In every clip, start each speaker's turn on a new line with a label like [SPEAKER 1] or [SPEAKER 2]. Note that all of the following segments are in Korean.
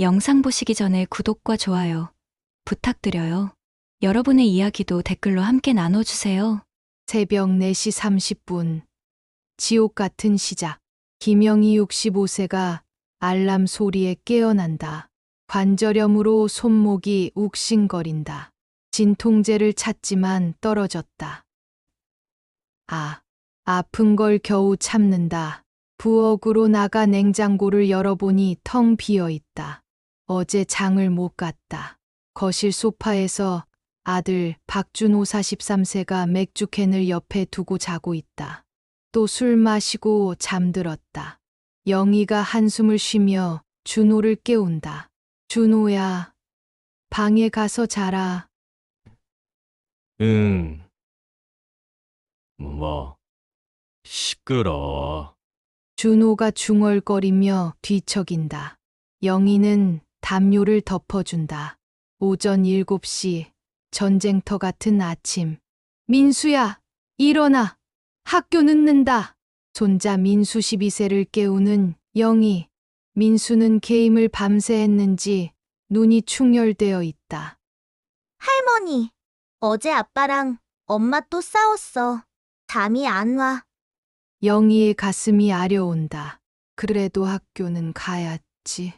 [SPEAKER 1] 영상 보시기 전에 구독과 좋아요 부탁드려요. 여러분의 이야기도 댓글로 함께 나눠주세요.
[SPEAKER 2] 새벽 4시 30분. 지옥 같은 시작. 김영희 65세가 알람 소리에 깨어난다. 관절염으로 손목이 욱신거린다. 진통제를 찾지만 떨어졌다. 아픈 걸 겨우 참는다. 부엌으로 나가 냉장고를 열어보니 텅 비어 있다. 어제 장을 못 갔다. 거실 소파에서 아들 박준호 43세가 맥주캔을 옆에 두고 자고 있다. 또 술 마시고 잠들었다. 영희가 한숨을 쉬며 준호를 깨운다. 준호야, 방에 가서 자라.
[SPEAKER 3] 응. 뭐, 시끄러워.
[SPEAKER 2] 준호가 중얼거리며 뒤척인다. 영희는 담요를 덮어준다. 오전 7시, 전쟁터 같은 아침. 민수야, 일어나. 학교 늦는다. 손자 민수 12세를 깨우는 영희. 민수는 게임을 밤새 했는지 눈이 충혈되어 있다.
[SPEAKER 4] 할머니, 어제 아빠랑 엄마 또 싸웠어. 잠이 안 와.
[SPEAKER 2] 영희의 가슴이 아려온다. 그래도 학교는 가야지.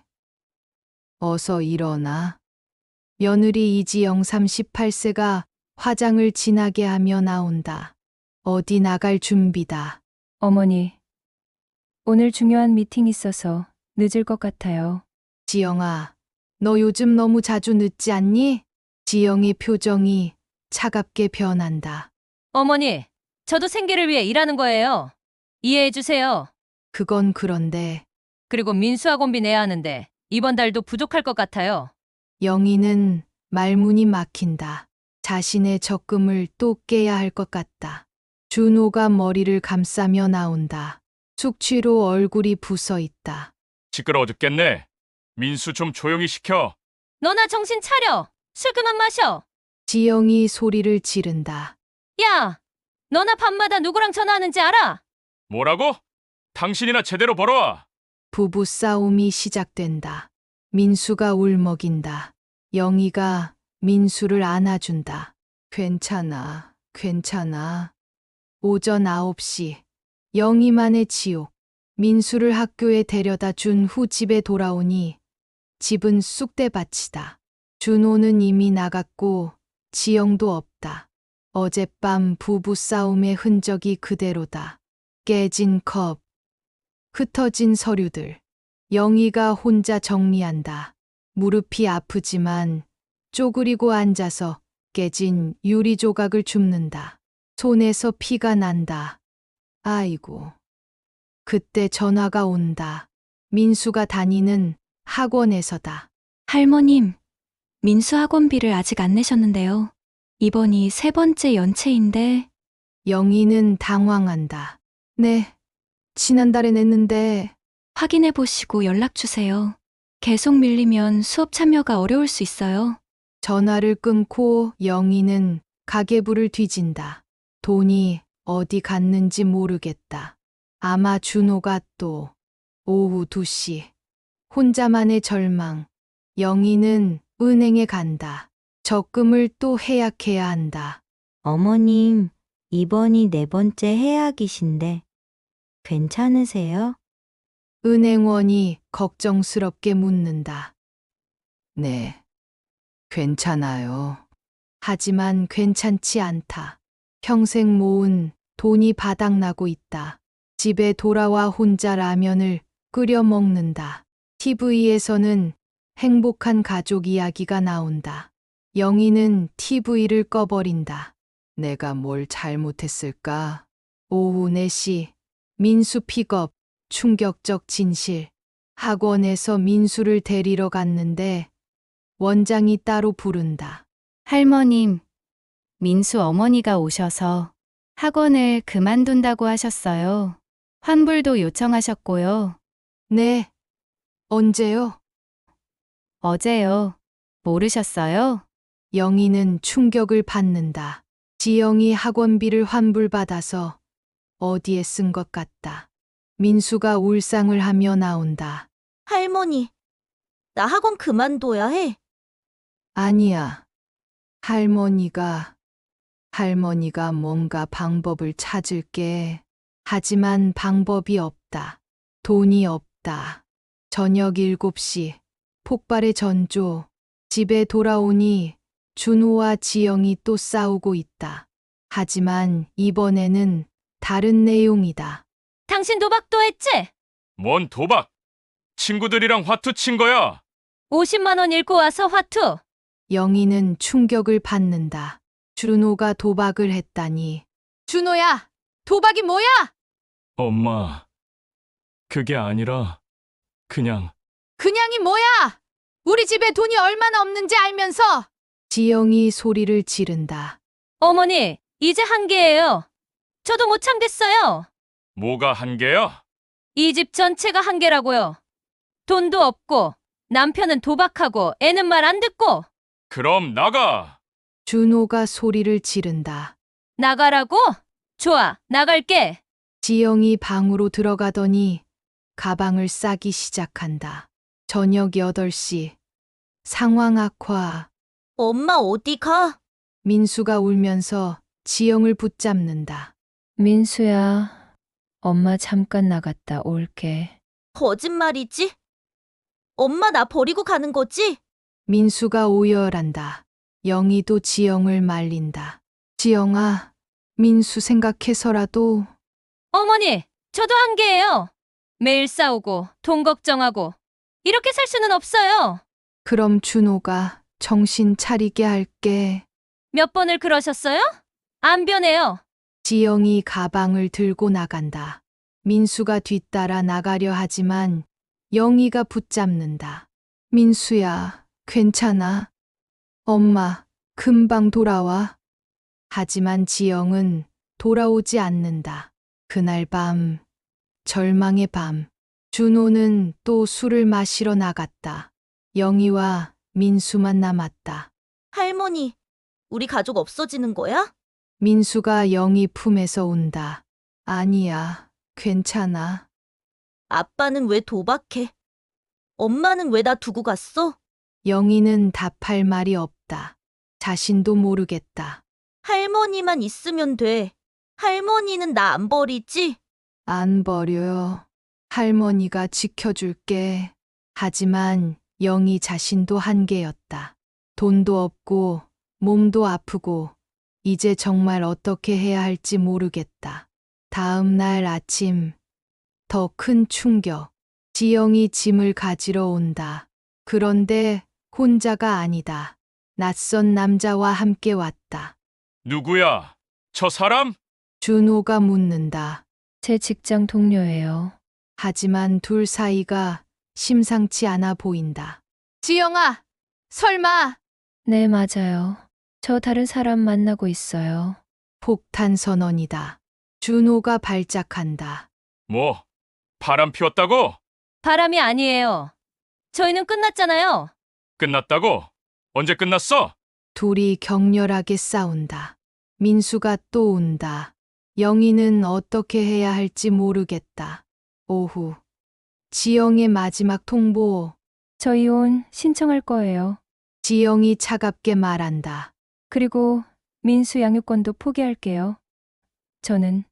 [SPEAKER 2] 어서 일어나. 며느리 이지영 38세가 화장을 진하게 하며 나온다. 어디 나갈 준비다.
[SPEAKER 1] 어머니, 오늘 중요한 미팅 있어서 늦을 것 같아요.
[SPEAKER 2] 지영아, 너 요즘 너무 자주 늦지 않니? 지영의 표정이 차갑게 변한다.
[SPEAKER 5] 어머니, 저도 생계를 위해 일하는 거예요. 이해해 주세요.
[SPEAKER 2] 그건 그런데
[SPEAKER 5] 그리고 민수학원비 내야 하는데 이번 달도 부족할 것 같아요.
[SPEAKER 2] 영희는 말문이 막힌다. 자신의 적금을 또 깨야 할 것 같다. 준호가 머리를 감싸며 나온다. 숙취로 얼굴이 부서 있다.
[SPEAKER 6] 시끄러워 죽겠네. 민수 좀 조용히 시켜.
[SPEAKER 5] 너나 정신 차려. 술 그만 마셔.
[SPEAKER 2] 지영이 소리를 지른다.
[SPEAKER 5] 야, 너나 밤마다 누구랑 전화하는지 알아?
[SPEAKER 6] 뭐라고? 당신이나 제대로 벌어와.
[SPEAKER 2] 부부 싸움이 시작된다. 민수가 울먹인다. 영희가 민수를 안아준다. 괜찮아, 괜찮아. 오전 9시, 영희만의 지옥. 민수를 학교에 데려다 준 후 집에 돌아오니 집은 쑥대밭이다. 준호는 이미 나갔고 지영도 없다. 어젯밤 부부 싸움의 흔적이 그대로다. 깨진 컵, 흩어진 서류들. 영희가 혼자 정리한다. 무릎이 아프지만 쪼그리고 앉아서 깨진 유리 조각을 줍는다. 손에서 피가 난다. 아이고. 그때 전화가 온다. 민수가 다니는 학원에서다.
[SPEAKER 1] 할머님, 민수 학원비를 아직 안 내셨는데요. 이번이 3번째 연체인데
[SPEAKER 2] 영희는 당황한다. 네, 지난달에 냈는데.
[SPEAKER 1] 확인해 보시고 연락 주세요. 계속 밀리면 수업 참여가 어려울 수 있어요.
[SPEAKER 2] 전화를 끊고 영희는 가계부를 뒤진다. 돈이 어디 갔는지 모르겠다. 아마 준호가 또. 오후 2시. 혼자만의 절망. 영희는 은행에 간다. 적금을 또 해약해야 한다.
[SPEAKER 7] 어머님, 이번이 4번째 해약이신데 괜찮으세요?
[SPEAKER 2] 은행원이 걱정스럽게 묻는다. 네, 괜찮아요. 하지만 괜찮지 않다. 평생 모은 돈이 바닥나고 있다. 집에 돌아와 혼자 라면을 끓여 먹는다. TV에서는 행복한 가족 이야기가 나온다. 영희는 TV를 꺼버린다. 내가 뭘 잘못했을까? 오후 4시, 민수 픽업, 충격적 진실. 학원에서 민수를 데리러 갔는데 원장이 따로 부른다.
[SPEAKER 8] 할머님, 민수 어머니가 오셔서 학원을 그만둔다고 하셨어요. 환불도 요청하셨고요.
[SPEAKER 2] 네, 언제요?
[SPEAKER 8] 어제요. 모르셨어요?
[SPEAKER 2] 영희는 충격을 받는다. 지영이 학원비를 환불받아서 어디에 쓴 것 같다. 민수가 울상을 하며 나온다.
[SPEAKER 4] 할머니, 나 학원 그만둬야 해.
[SPEAKER 2] 아니야. 할머니가 뭔가 방법을 찾을게. 하지만 방법이 없다. 돈이 없다. 저녁 7시, 폭발의 전조. 집에 돌아오니 준호와 지영이 또 싸우고 있다. 하지만 이번에는 다른 내용이다.
[SPEAKER 5] 당신 도박도 했지?
[SPEAKER 6] 뭔 도박? 친구들이랑 화투 친 거야.
[SPEAKER 5] 50만 원 잃고 와서 화투.
[SPEAKER 2] 영희는 충격을 받는다. 준호가 도박을 했다니. 준호야, 도박이 뭐야?
[SPEAKER 6] 엄마, 그게 아니라 그냥
[SPEAKER 2] 그냥이 뭐야? 우리 집에 돈이 얼마나 없는지 알면서. 지영이 소리를 지른다.
[SPEAKER 5] 어머니, 이제 한계예요. 저도 못 참겠어요.
[SPEAKER 6] 뭐가 한계야?
[SPEAKER 5] 이 집 전체가 한계라고요. 돈도 없고, 남편은 도박하고, 애는 말 안 듣고,
[SPEAKER 6] 그럼 나가.
[SPEAKER 2] 준호가 소리를 지른다.
[SPEAKER 5] 나가라고? 좋아, 나갈게.
[SPEAKER 2] 지영이 방으로 들어가더니 가방을 싸기 시작한다. 저녁 8시. 상황 악화.
[SPEAKER 4] 엄마 어디 가?
[SPEAKER 2] 민수가 울면서 지영을 붙잡는다.
[SPEAKER 8] 민수야, 엄마 잠깐 나갔다 올게.
[SPEAKER 4] 거짓말이지? 엄마 나 버리고 가는 거지?
[SPEAKER 2] 민수가 오열한다. 영희도 지영을 말린다. 지영아, 민수 생각해서라도.
[SPEAKER 5] 어머니, 저도 한계예요. 매일 싸우고, 돈 걱정하고, 이렇게 살 수는 없어요.
[SPEAKER 2] 그럼 준호가 정신 차리게 할게.
[SPEAKER 5] 몇 번을 그러셨어요? 안 변해요.
[SPEAKER 2] 지영이 가방을 들고 나간다. 민수가 뒤따라 나가려 하지만 영희가 붙잡는다. 민수야, 괜찮아. 엄마, 금방 돌아와. 하지만 지영은 돌아오지 않는다. 그날 밤, 절망의 밤, 준호는 또 술을 마시러 나갔다. 영희와 민수만 남았다.
[SPEAKER 4] 할머니, 우리 가족 없어지는 거야?
[SPEAKER 2] 민수가 영희 품에서 운다. 아니야, 괜찮아.
[SPEAKER 4] 아빠는 왜 도박해? 엄마는 왜 나 두고 갔어?
[SPEAKER 2] 영희는 답할 말이 없다. 자신도 모르겠다.
[SPEAKER 4] 할머니만 있으면 돼. 할머니는 나 안 버리지?
[SPEAKER 2] 안 버려요. 할머니가 지켜줄게. 하지만 영희 자신도 한계였다. 돈도 없고 몸도 아프고 이제 정말 어떻게 해야 할지 모르겠다. 다음 날 아침, 더 큰 충격. 지영이 짐을 가지러 온다. 그런데 혼자가 아니다. 낯선 남자와 함께 왔다.
[SPEAKER 6] 누구야? 저 사람?
[SPEAKER 2] 준호가 묻는다.
[SPEAKER 8] 제 직장 동료예요.
[SPEAKER 2] 하지만 둘 사이가 심상치 않아 보인다. 지영아, 설마.
[SPEAKER 8] 네, 맞아요. 저 다른 사람 만나고 있어요.
[SPEAKER 2] 폭탄 선언이다. 준호가 발작한다.
[SPEAKER 6] 뭐, 바람 피웠다고?
[SPEAKER 5] 바람이 아니에요. 저희는 끝났잖아요.
[SPEAKER 6] 끝났다고? 언제 끝났어?
[SPEAKER 2] 둘이 격렬하게 싸운다. 민수가 또 운다. 영희는 어떻게 해야 할지 모르겠다. 오후. 지영의 마지막 통보.
[SPEAKER 8] 저 이혼 신청할 거예요.
[SPEAKER 2] 지영이 차갑게 말한다.
[SPEAKER 8] 그리고 민수 양육권도 포기할게요. 저는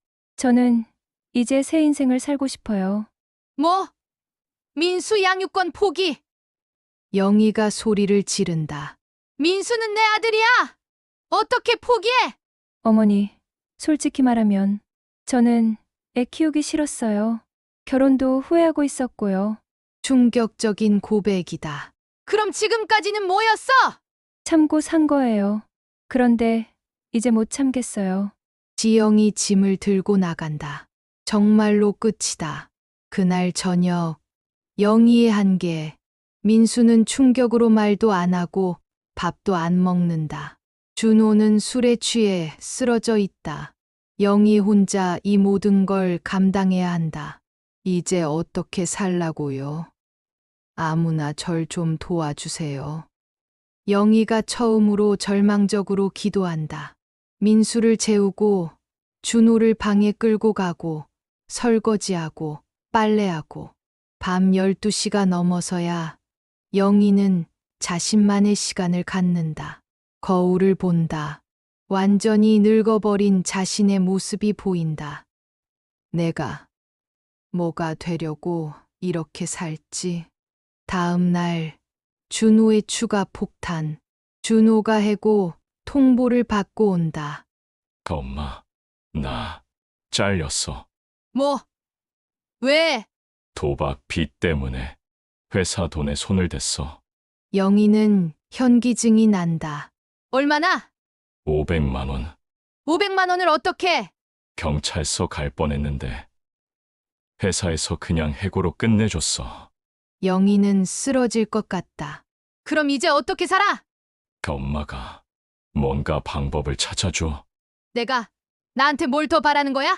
[SPEAKER 8] 이제 새 인생을 살고 싶어요.
[SPEAKER 2] 뭐? 민수 양육권 포기. 영희가 소리를 지른다. 민수는 내 아들이야. 어떻게 포기해?
[SPEAKER 8] 어머니, 솔직히 말하면 저는 애 키우기 싫었어요. 결혼도 후회하고 있었고요.
[SPEAKER 2] 충격적인 고백이다. 그럼 지금까지는 뭐였어?
[SPEAKER 8] 참고 산 거예요. 그런데 이제 못 참겠어요.
[SPEAKER 2] 지영이 짐을 들고 나간다. 정말로 끝이다. 그날 저녁, 영희의 한계. 민수는 충격으로 말도 안 하고 밥도 안 먹는다. 준호는 술에 취해 쓰러져 있다. 영희 혼자 이 모든 걸 감당해야 한다. 이제 어떻게 살라고요? 아무나 절 좀 도와주세요. 영희가 처음으로 절망적으로 기도한다. 민수를 재우고 준호를 방에 끌고 가고 설거지하고 빨래하고 밤 12시가 넘어서야 영희는 자신만의 시간을 갖는다. 거울을 본다. 완전히 늙어버린 자신의 모습이 보인다. 내가 뭐가 되려고 이렇게 살지? 다음 날 준호의 추가 폭탄. 준호가 해고 통보를 받고 온다.
[SPEAKER 6] 엄마, 나 잘렸어.
[SPEAKER 2] 뭐? 왜?
[SPEAKER 6] 도박 빚 때문에 회사 돈에 손을 댔어.
[SPEAKER 2] 영희는 현기증이 난다. 얼마나?
[SPEAKER 6] 500만 원.
[SPEAKER 2] 500만 원을 어떻게?
[SPEAKER 6] 경찰서 갈 뻔했는데 회사에서 그냥 해고로 끝내줬어.
[SPEAKER 2] 영희는 쓰러질 것 같다. 그럼 이제 어떻게 살아?
[SPEAKER 6] 엄마가 뭔가 방법을 찾아줘.
[SPEAKER 2] 내가 나한테 뭘 더 바라는 거야?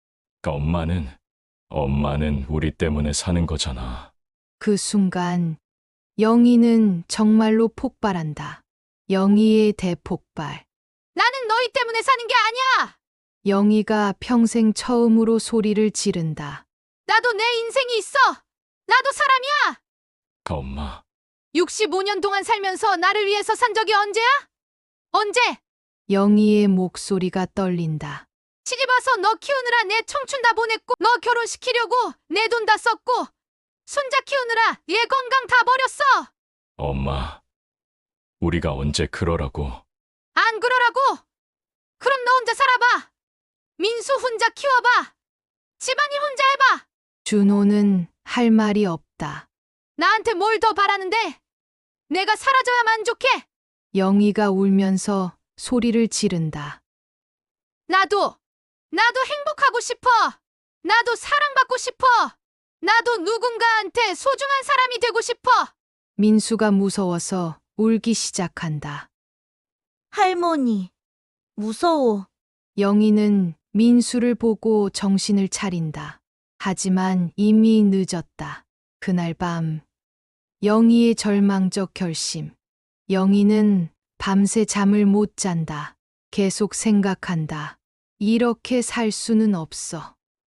[SPEAKER 6] 엄마는 우리 때문에 사는 거잖아.
[SPEAKER 2] 그 순간 영희는 정말로 폭발한다. 영희의 대폭발. 나는 너희 때문에 사는 게 아니야! 영희가 평생 처음으로 소리를 지른다. 나도 내 인생이 있어! 나도 사람이야!
[SPEAKER 6] 엄마,
[SPEAKER 2] 65년 동안 살면서 나를 위해서 산 적이 언제야? 언제? 영희의 목소리가 떨린다. 시집 와서 너 키우느라 내 청춘 다 보냈고, 너 결혼시키려고 내 돈 다 썼고, 손자 키우느라 얘 건강 다 버렸어!
[SPEAKER 6] 엄마, 우리가 언제 그러라고.
[SPEAKER 2] 안 그러라고! 그럼 너 혼자 살아봐! 민수 혼자 키워봐! 집안일 혼자 해봐! 준호는 할 말이 없다. 나한테 뭘 더 바라는데? 내가 사라져야 만족해! 영희가 울면서 소리를 지른다. 나도 행복하고 싶어! 나도 사랑받고 싶어! 나도 누군가한테 소중한 사람이 되고 싶어! 민수가 무서워서 울기 시작한다.
[SPEAKER 4] 할머니, 무서워.
[SPEAKER 2] 영희는 민수를 보고 정신을 차린다. 하지만 이미 늦었다. 그날 밤, 영희의 절망적 결심. 영희는 밤새 잠을 못 잔다. 계속 생각한다. 이렇게 살 수는 없어.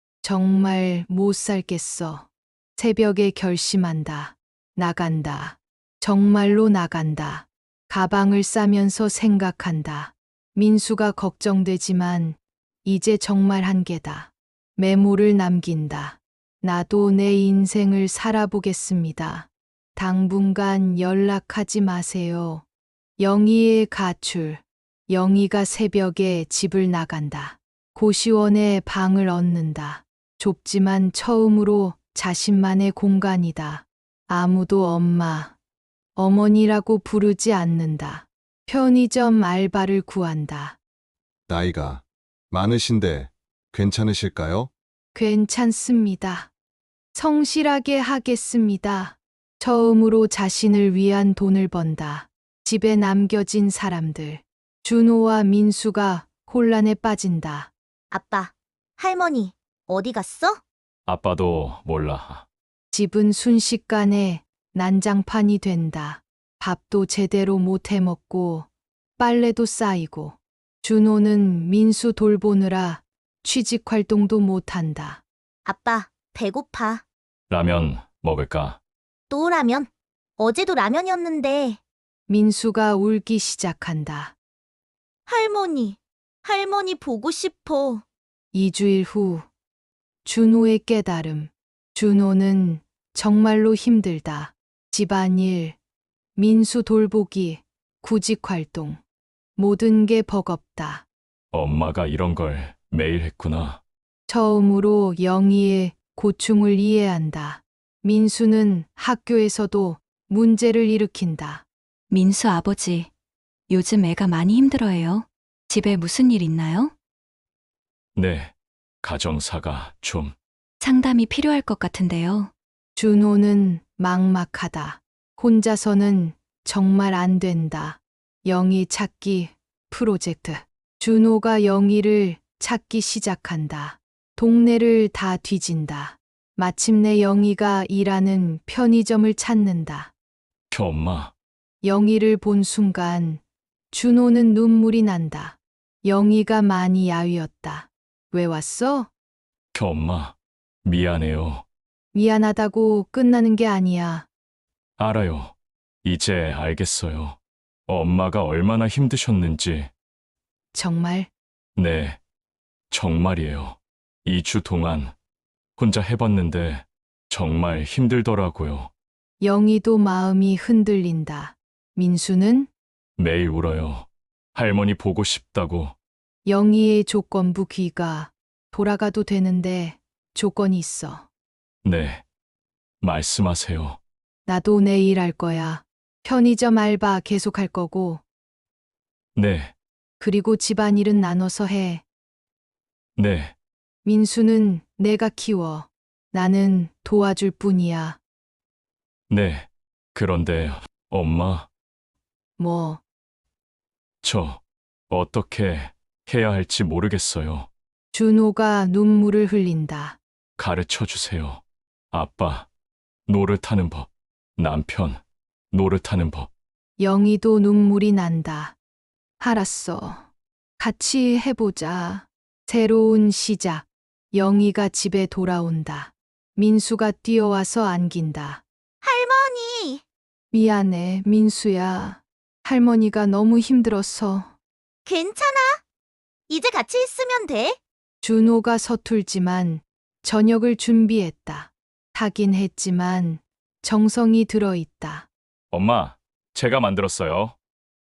[SPEAKER 2] 정말 못 살겠어. 새벽에 결심한다. 나간다. 정말로 나간다. 가방을 싸면서 생각한다. 민수가 걱정되지만 이제 정말 한계다. 메모를 남긴다. 나도 내 인생을 살아보겠습니다. 당분간 연락하지 마세요. 영희의 가출. 영희가 새벽에 집을 나간다. 고시원에 방을 얻는다. 좁지만 처음으로 자신만의 공간이다. 아무도 엄마, 어머니라고 부르지 않는다. 편의점 알바를 구한다.
[SPEAKER 3] 나이가 많으신데 괜찮으실까요?
[SPEAKER 2] 괜찮습니다. 성실하게 하겠습니다. 처음으로 자신을 위한 돈을 번다. 집에 남겨진 사람들. 준호와 민수가 혼란에 빠진다.
[SPEAKER 4] 아빠, 할머니, 어디 갔어?
[SPEAKER 6] 아빠도 몰라.
[SPEAKER 2] 집은 순식간에 난장판이 된다. 밥도 제대로 못 해먹고 빨래도 쌓이고 준호는 민수 돌보느라 취직 활동도 못한다.
[SPEAKER 4] 아빠, 배고파.
[SPEAKER 6] 라면 먹을까?
[SPEAKER 4] 또 라면? 어제도 라면이었는데.
[SPEAKER 2] 민수가 울기 시작한다.
[SPEAKER 4] 할머니 보고 싶어.
[SPEAKER 2] 2주일 후 준호의 깨달음. 준호는 정말로 힘들다. 집안일, 민수 돌보기, 구직 활동. 모든 게 버겁다.
[SPEAKER 6] 엄마가 이런 걸 매일 했구나.
[SPEAKER 2] 처음으로 영희의 고충을 이해한다. 민수는 학교에서도 문제를 일으킨다.
[SPEAKER 1] 민수 아버지, 요즘 애가 많이 힘들어해요. 집에 무슨 일 있나요?
[SPEAKER 6] 네, 가정사가 좀.
[SPEAKER 1] 상담이 필요할 것 같은데요.
[SPEAKER 2] 준호는 막막하다. 혼자서는 정말 안 된다. 영희 찾기 프로젝트. 준호가 영희를 찾기 시작한다. 동네를 다 뒤진다. 마침내 영희가 일하는 편의점을 찾는다.
[SPEAKER 6] 엄마,
[SPEAKER 2] 영희를 본 순간 준호는 눈물이 난다. 영희가 많이 야위었다. 왜 왔어?
[SPEAKER 6] 엄마, 미안해요.
[SPEAKER 2] 미안하다고 끝나는 게 아니야.
[SPEAKER 6] 알아요. 이제 알겠어요. 엄마가 얼마나 힘드셨는지.
[SPEAKER 2] 정말
[SPEAKER 6] 네, 정말이에요. 2주 동안 혼자 해봤는데 정말 힘들더라고요.
[SPEAKER 2] 영희도 마음이 흔들린다. 민수는
[SPEAKER 6] 매일 울어요. 할머니 보고 싶다고.
[SPEAKER 2] 영희의 조건부 귀가 돌아가도 되는데 조건이 있어.
[SPEAKER 6] 네, 말씀하세요.
[SPEAKER 2] 나도 내일 할 거야. 편의점 알바 계속 할 거고,
[SPEAKER 6] 네,
[SPEAKER 2] 그리고 집안일은 나눠서 해.
[SPEAKER 6] 네,
[SPEAKER 2] 민수는 내가 키워. 나는 도와줄 뿐이야.
[SPEAKER 6] 네. 그런데 엄마,
[SPEAKER 2] 뭐,
[SPEAKER 6] 저 어떻게 해야 할지 모르겠어요.
[SPEAKER 2] 준호가 눈물을 흘린다.
[SPEAKER 6] 가르쳐 주세요. 아빠, 노릇하는 법. 남편, 노릇하는 법.
[SPEAKER 2] 영희도 눈물이 난다. 알았어. 같이 해보자. 새로운 시작. 영희가 집에 돌아온다. 민수가 뛰어와서 안긴다.
[SPEAKER 4] 할머니!
[SPEAKER 2] 미안해, 민수야. 할머니가 너무 힘들었어.
[SPEAKER 4] 괜찮아. 이제 같이 있으면 돼.
[SPEAKER 2] 준호가 서툴지만 저녁을 준비했다. 하긴 했지만 정성이 들어있다.
[SPEAKER 6] 엄마, 제가 만들었어요.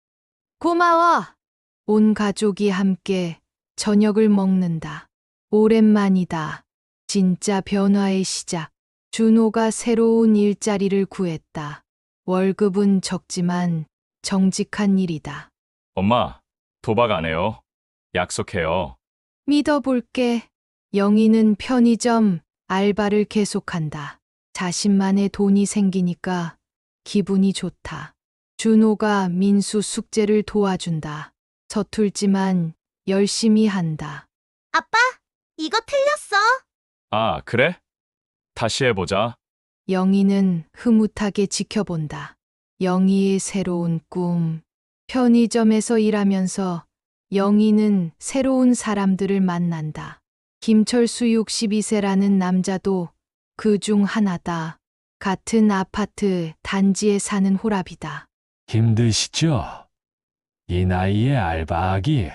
[SPEAKER 2] 고마워. 온 가족이 함께 저녁을 먹는다. 오랜만이다. 진짜 변화의 시작. 준호가 새로운 일자리를 구했다. 월급은 적지만 정직한 일이다.
[SPEAKER 6] 엄마, 도박 안 해요. 약속해요.
[SPEAKER 2] 믿어볼게. 영희는 편의점 알바를 계속한다. 자신만의 돈이 생기니까 기분이 좋다. 준호가 민수 숙제를 도와준다. 서툴지만 열심히 한다.
[SPEAKER 4] 아빠, 이거 틀렸어.
[SPEAKER 6] 아, 그래? 다시 해보자.
[SPEAKER 2] 영희는 흐뭇하게 지켜본다. 영희의 새로운 꿈. 편의점에서 일하면서 영희는 새로운 사람들을 만난다. 김철수 62세라는 남자도 그 중 하나다. 같은 아파트 단지에 사는 호랍이다.
[SPEAKER 9] 힘드시죠? 이 나이에 알바하기.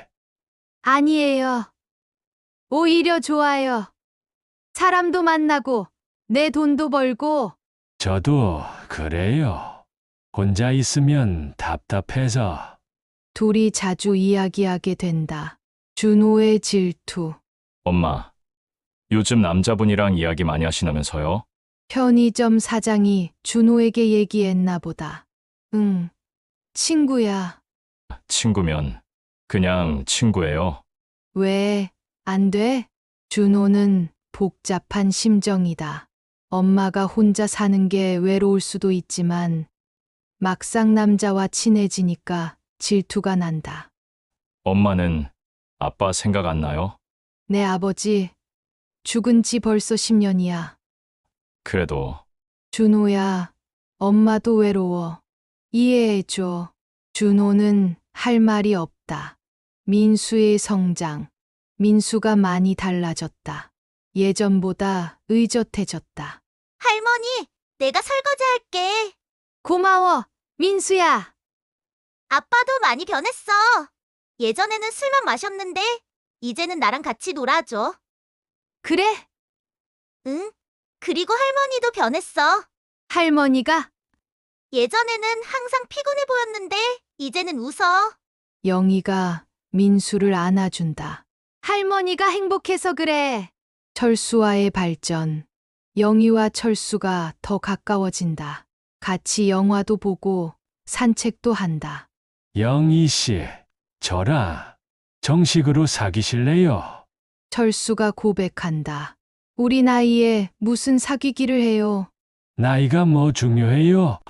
[SPEAKER 2] 아니에요. 오히려 좋아요. 사람도 만나고 내 돈도 벌고.
[SPEAKER 9] 저도 그래요. 혼자 있으면 답답해서.
[SPEAKER 2] 둘이 자주 이야기하게 된다. 준호의 질투.
[SPEAKER 6] 엄마, 요즘 남자분이랑 이야기 많이 하시나면서요?
[SPEAKER 2] 편의점 사장이 준호에게 얘기했나 보다. 응, 친구야.
[SPEAKER 6] 친구면 그냥 친구예요.
[SPEAKER 2] 왜, 안 돼? 준호는 복잡한 심정이다. 엄마가 혼자 사는 게 외로울 수도 있지만 막상 남자와 친해지니까 질투가 난다.
[SPEAKER 6] 엄마는 아빠 생각 안 나요?
[SPEAKER 2] 내 아버지 죽은 지 벌써 10년이야.
[SPEAKER 6] 그래도
[SPEAKER 2] 준호야, 엄마도 외로워. 이해해줘. 준호는 할 말이 없다. 민수의 성장. 민수가 많이 달라졌다. 예전보다 의젓해졌다.
[SPEAKER 4] 할머니, 내가 설거지 할게.
[SPEAKER 2] 고마워, 민수야.
[SPEAKER 4] 아빠도 많이 변했어. 예전에는 술만 마셨는데, 이제는 나랑 같이 놀아줘.
[SPEAKER 2] 그래?
[SPEAKER 4] 응? 그리고 할머니도 변했어.
[SPEAKER 2] 할머니가?
[SPEAKER 4] 예전에는 항상 피곤해 보였는데, 이제는 웃어.
[SPEAKER 2] 영희가 민수를 안아준다. 할머니가 행복해서 그래. 철수와의 발전. 영희와 철수가 더 가까워진다. 같이 영화도 보고 산책도 한다.
[SPEAKER 9] 영희 씨, 저랑 정식으로 사귀실래요?
[SPEAKER 2] 철수가 고백한다. 우리 나이에 무슨 사귀기를 해요.
[SPEAKER 9] 나이가 뭐 중요해요?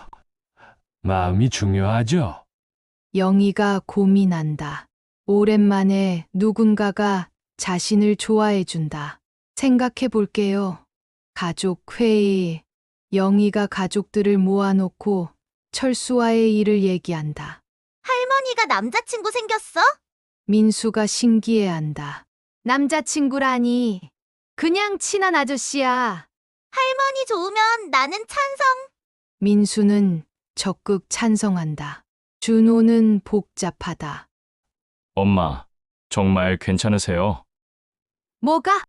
[SPEAKER 9] 마음이 중요하죠.
[SPEAKER 2] 영희가 고민한다. 오랜만에 누군가가 자신을 좋아해준다. 생각해 볼게요. 가족 회의. 영희가 가족들을 모아놓고 철수와의 일을 얘기한다.
[SPEAKER 4] 할머니가 남자친구 생겼어?
[SPEAKER 2] 민수가 신기해한다. 남자친구라니. 그냥 친한 아저씨야.
[SPEAKER 4] 할머니 좋으면 나는 찬성.
[SPEAKER 2] 민수는 적극 찬성한다. 준호는 복잡하다.
[SPEAKER 6] 엄마, 정말 괜찮으세요?
[SPEAKER 2] 뭐가?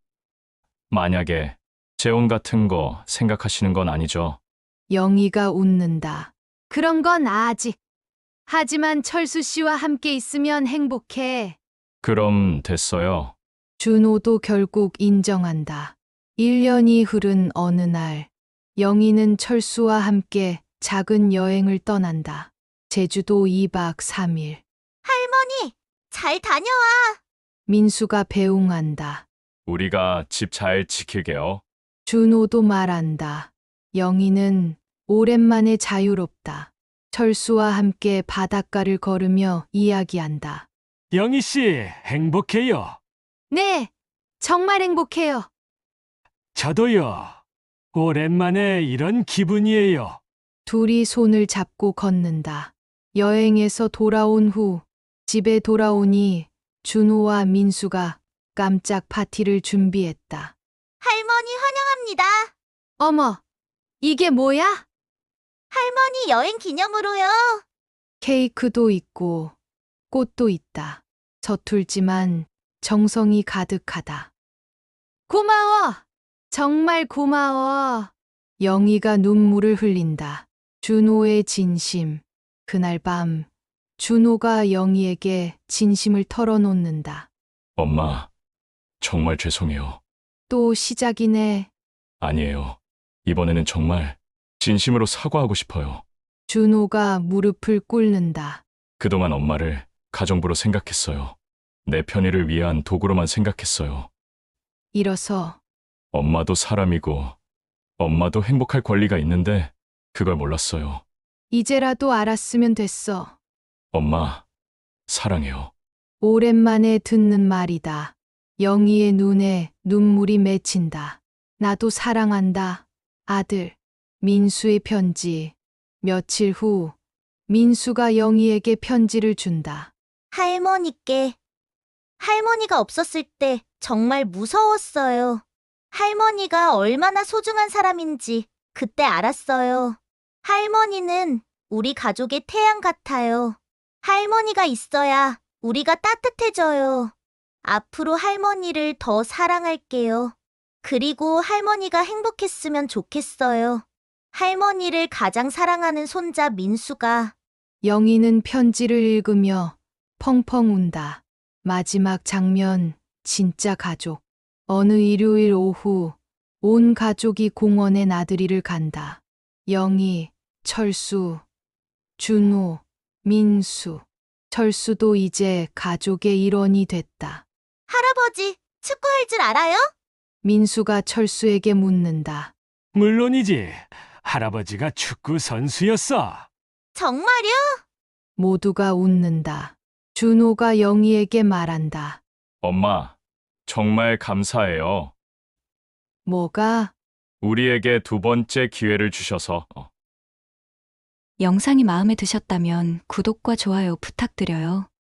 [SPEAKER 6] 만약에 재혼 같은 거 생각하시는 건 아니죠?
[SPEAKER 2] 영희가 웃는다. 그런 건 아직. 하지만 철수 씨와 함께 있으면 행복해.
[SPEAKER 6] 그럼 됐어요.
[SPEAKER 2] 준호도 결국 인정한다. 1년이 흐른 어느 날, 영희는 철수와 함께 작은 여행을 떠난다. 제주도 2박 3일.
[SPEAKER 4] 할머니, 잘 다녀와.
[SPEAKER 2] 민수가 배웅한다.
[SPEAKER 6] 우리가 집 잘 지킬게요.
[SPEAKER 2] 준호도 말한다. 영희는 오랜만에 자유롭다. 철수와 함께 바닷가를 걸으며 이야기한다.
[SPEAKER 9] 영희 씨, 행복해요.
[SPEAKER 2] 네, 정말 행복해요.
[SPEAKER 9] 저도요. 오랜만에 이런 기분이에요.
[SPEAKER 2] 둘이 손을 잡고 걷는다. 여행에서 돌아온 후 집에 돌아오니 준호와 민수가 깜짝 파티를 준비했다.
[SPEAKER 4] 할머니 환영합니다.
[SPEAKER 2] 어머, 이게 뭐야?
[SPEAKER 4] 할머니 여행 기념으로요.
[SPEAKER 2] 케이크도 있고 꽃도 있다. 서툴지만 정성이 가득하다. 고마워! 정말 고마워. 영희가 눈물을 흘린다. 준호의 진심. 그날 밤 준호가 영희에게 진심을 털어놓는다.
[SPEAKER 6] 엄마, 정말 죄송해요.
[SPEAKER 2] 또 시작이네.
[SPEAKER 6] 아니에요. 이번에는 정말 진심으로 사과하고 싶어요.
[SPEAKER 2] 준호가 무릎을 꿇는다.
[SPEAKER 6] 그동안 엄마를 가정부로 생각했어요. 내 편의를 위한 도구로만 생각했어요.
[SPEAKER 2] 일어서
[SPEAKER 6] 엄마도 사람이고 엄마도 행복할 권리가 있는데 그걸 몰랐어요.
[SPEAKER 2] 이제라도 알았으면 됐어.
[SPEAKER 6] 엄마, 사랑해요.
[SPEAKER 2] 오랜만에 듣는 말이다. 영희의 눈에 눈물이 맺힌다. 나도 사랑한다. 아들. 민수의 편지. 며칠 후 민수가 영희에게 편지를 준다.
[SPEAKER 4] 할머니께. 할머니가 없었을 때 정말 무서웠어요. 할머니가 얼마나 소중한 사람인지 그때 알았어요. 할머니는 우리 가족의 태양 같아요. 할머니가 있어야 우리가 따뜻해져요. 앞으로 할머니를 더 사랑할게요. 그리고 할머니가 행복했으면 좋겠어요. 할머니를 가장 사랑하는 손자 민수가.
[SPEAKER 2] 영희는 편지를 읽으며 펑펑 운다. 마지막 장면, 진짜 가족. 어느 일요일 오후, 온 가족이 공원에 나들이를 간다. 영희, 철수, 준호, 민수. 철수도 이제 가족의 일원이 됐다.
[SPEAKER 4] 할아버지, 축구할 줄 알아요?
[SPEAKER 2] 민수가 철수에게 묻는다.
[SPEAKER 9] 물론이지. 할아버지가 축구 선수였어.
[SPEAKER 4] 정말요?
[SPEAKER 2] 모두가 웃는다. 준호가 영희에게 말한다.
[SPEAKER 6] 엄마, 정말 감사해요.
[SPEAKER 2] 뭐가?
[SPEAKER 6] 우리에게 두 번째 기회를 주셔서.
[SPEAKER 1] 영상이 마음에 드셨다면 구독과 좋아요 부탁드려요.